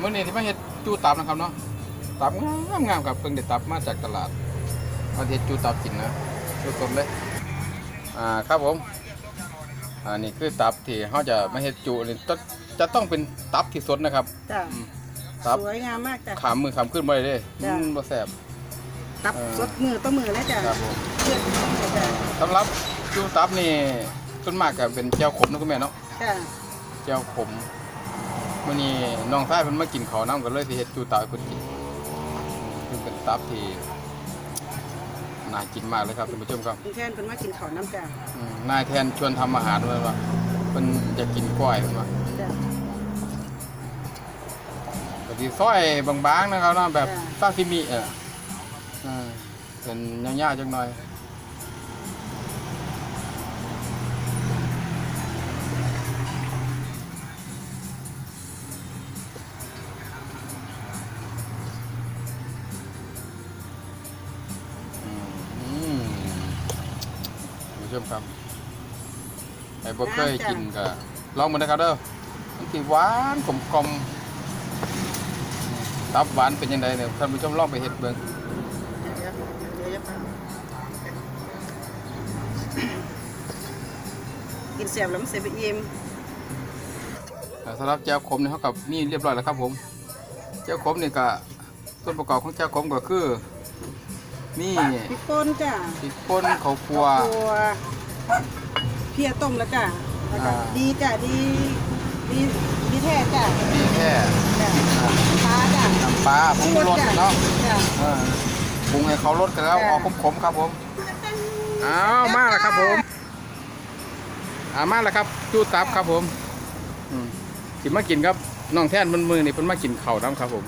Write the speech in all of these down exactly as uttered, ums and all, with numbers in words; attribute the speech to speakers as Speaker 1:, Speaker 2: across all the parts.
Speaker 1: มื่อนี้ที่มาเฮ็ดจูตับนะครับเนาะตับงามงามครับเพิ่งได้ตับมาจากตลาดมาเฮ็ดจูตับกินนะสดๆเลยอ่าครับผมอ่านี่คือตับที่เขาจะมาเฮ็ดจูนี่จะจะต้องเป็นตับที่สดนะครับ
Speaker 2: จ้ะ
Speaker 1: ตับ
Speaker 2: สวยงามมากจ้ะ
Speaker 1: ขามมือขามขึ้นบ่ได้เด้
Speaker 2: จ้ะ
Speaker 1: มันบ่แซ่บ
Speaker 2: ตับ
Speaker 1: เออ
Speaker 2: สดมือต่อมือแล้วจ้ะ
Speaker 1: ครับผม
Speaker 2: เพื่อนจ้ะ
Speaker 1: สำหรับจูตับนี่ส่วนมากก็เป็นแจ่วขมนะคุณแม่เนาะ
Speaker 2: จ้ะ
Speaker 1: แจ่วขมมื้อนี้น้องชายเพิ่นมากินข้าวน้ำกันเลยสิเฮ็ดจูตับให้เพิ่นกินคือเป็นตับที่น่ากินมากเลยครับท่านผู้ชมครับ
Speaker 2: คุณแทนเพิ่นมากินข้าวน้ำจ้ะ
Speaker 1: อืมนายแทนชวนทำอาหารด้วยว่าเพิ่นอยากกินกล้วยเพิ่นว่า
Speaker 2: จ้ะ
Speaker 1: ก็สิซอยบางๆนะครับเนาะแบบ
Speaker 2: จ้ะ
Speaker 1: ซาซิมิเอออ่าเป็นยาวๆจังหน่อยอืมท่านผู้ชมครับไอ้บ่เคยกินก็ลองมานะครับเด้อมันสิหวานกลมๆตับหวานเป็นยังไงเนี่ยท่านผู้ชมลองไปเฮ็ดเบิ่ง
Speaker 2: เดี๋ยวเดี๋ยวเดี๋ยวกินเสียบแล้วมันเสียไปอิ่ม
Speaker 1: อ่าสำหรับแจ่วขมนี่เขากับนี่เรียบร้อยแล้วครับผมแจ่วขมนี่ก็ส่วนประกอบของแจ่วขมก็คือนี่
Speaker 2: พริกป่นจ้ะ
Speaker 1: พริกป่นข้าวคั่ว
Speaker 2: ตัวเพียต้มแล้วจ้ะแล้วก็
Speaker 1: อ่า
Speaker 2: ดีจ้ะดีดีดีแท้จ้ะ
Speaker 1: มีแค่
Speaker 2: จ้ะปลาจ้ะ
Speaker 1: น้ำปลาผงชูรสเนาะ
Speaker 2: จ้ะ
Speaker 1: เออปรุงให้เขารสกันแล้ว
Speaker 2: จ้ะ
Speaker 1: เอาขมๆครับผมอ้าวมาแล้วครับผมอ่ามาแล้วครับจูตับครับผมอืมกินมากินครับน้องแท่นมันมือนี่เพิ่นมากินข้าวน้ำครับผม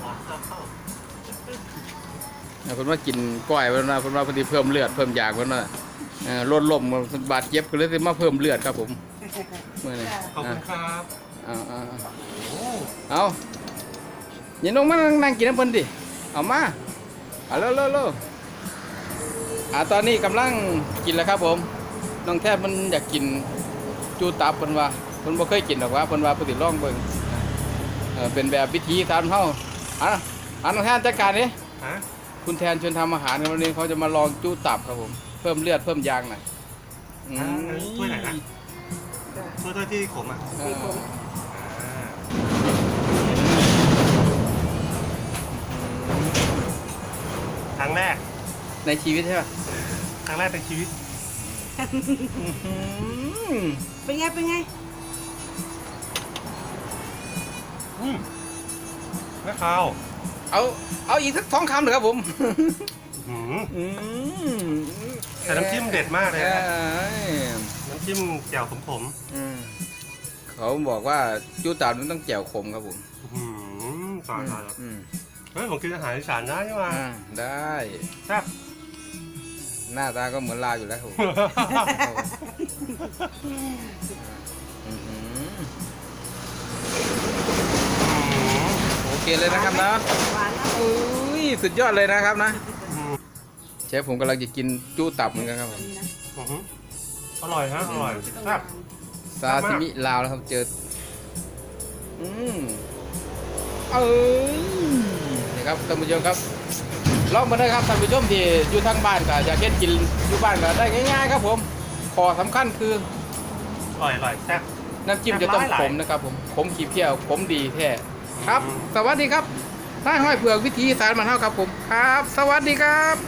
Speaker 1: เพิ่นมากินก้อยเพิ่นว่าเพิ่นว่าเพิ่นสิเพิ่มเลือดเพิ่มยางเพิ่นว่าเอ่อลดลมเพิ่นบาดเจ็บก็เลยสิมาเพิ่มเลือดครับผมมื้อนี้
Speaker 3: ขอบคุณครับ
Speaker 1: เอาเอาเอาอย่าลงมานั่งกินน้ำเพิ่นดิเอามาเอาเร็วเร็วเร็วอ่าตอนนี้กำลังกินแล้วครับผมน้องแทบมันอยากกินจูตับเพิ่นว่าเพิ่นบ่เคยกินหรอกว่าเพิ่นว่าเพิ่นสิลองเบิ่งเออเป็นแบบวิธีทานเฮาอ่ะอ่ะน้องแทนจัดการดิ
Speaker 3: ฮะ
Speaker 1: คุณแทนชวนทำอาหารกันวันนี้เขาจะมาลองจูตับครับผมเพิ่มเลือดเพิ่มยางหน่อยอื
Speaker 3: อ่าม อันนี้ถ้วยไหนนะ
Speaker 2: จ้ะ
Speaker 3: ถ้วยถ้วยที่ขมอ่ะ
Speaker 1: เอ
Speaker 2: ดี
Speaker 1: อ
Speaker 2: ผม
Speaker 3: อ่าครั้งแรก
Speaker 1: ในชีวิตใช่ป่ะ
Speaker 3: ครั้งแรกในชีวิต
Speaker 1: อืม
Speaker 2: เป็นไงเป็นไง
Speaker 3: อืมไม่ข้าว
Speaker 1: เอาเอาอีกสักสองคำเลยครับผม
Speaker 3: อื้อหือ
Speaker 1: อืม
Speaker 3: แต่น้ำจิ้มเด็ดมากเลยนะ
Speaker 1: อ้ย
Speaker 3: น้ำจิ้มแจ่วขม
Speaker 1: อืมเขาบอกว่าจูตับมันต้องแจ่วขมครับผม
Speaker 3: ๆอื้อหือตายตาย
Speaker 1: อืม
Speaker 3: เฮ้ยผมกินอาหารอีสานได้ใช่ไหม
Speaker 1: อ่าได้
Speaker 3: แซ่บ
Speaker 1: หน้าตาก็เหมือนลาวอยู่แล้วครับผมอื้อหือโอเคเลยนะครับนะ
Speaker 2: หวานนะ
Speaker 1: อุ้ยสุดยอดเลยนะครับนะเชฟผมกำลังจะกินจูตับเหมือนกันครับผม
Speaker 3: อื้อหืออร่อยฮะอร่อยแซ่บ
Speaker 1: ซาซิมิลาวนะครับเจออืมเอ้ยนี่ครับท่านผู้ชมครับลองมาเลยครับท่านผู้ชมที่อยู่ทางบ้านก็อยากเฮ็ดกินอยู่บ้านก็ได้ง่ายๆครับผมขอสำคัญคือ
Speaker 3: อร่อยอร่อยแซ่บ
Speaker 1: น้ำจิ้มจะต้องขมนะครับผมขมขีดเที่ยวขมดีแท้ครับ สวัสดีครับนายห้อยเผือกวิธีสารมันเท่าครับผมครับ สวัสดีครับ